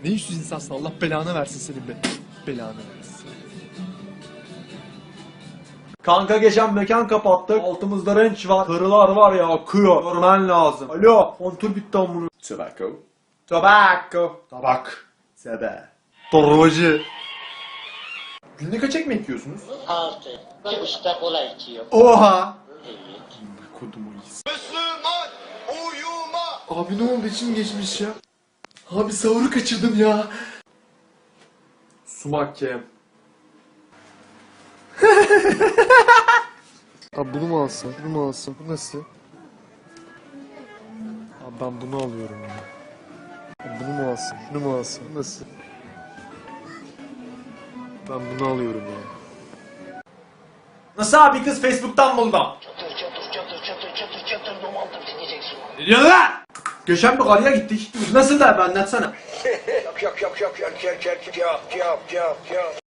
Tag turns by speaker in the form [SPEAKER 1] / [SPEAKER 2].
[SPEAKER 1] Ne yüzsüz insansın, Allah belanı versin senin be. Belanı versin.
[SPEAKER 2] Kanka geçen mekan kapattık. Altımızda renç var. Karılar var ya akıyor. Görmen lazım. Alo. Kontür bitti amına.
[SPEAKER 3] Tobacco.
[SPEAKER 2] Tobacco.
[SPEAKER 3] Tabak. Sebe.
[SPEAKER 2] Torbacı.
[SPEAKER 3] Günde kaç ekmek yiyorsunuz?
[SPEAKER 4] 6. 2,5'ta kola içiyor.
[SPEAKER 2] Oha.
[SPEAKER 4] Evet.
[SPEAKER 3] Kodumu iyisi.
[SPEAKER 1] Abi ne oldu, içim geçmiş ya. Abi sahuru kaçırdım ya.
[SPEAKER 2] Sumak kem.
[SPEAKER 1] Abi bunu mu alsam? Bunu mu alsam? Bu nasıl? Abi ben bunu alıyorum ya. Abi bunu mu alsam? Şunu mu alsam? Bu nasıl? Ben bunu alıyorum ya.
[SPEAKER 2] Nasıl abi, kız Facebook'tan buldum.
[SPEAKER 4] Çatır domaltır diyeceksin.
[SPEAKER 2] Ne diyorsun lan? Geçen bir karıya gittik. Nasıl da, bir anlatsana.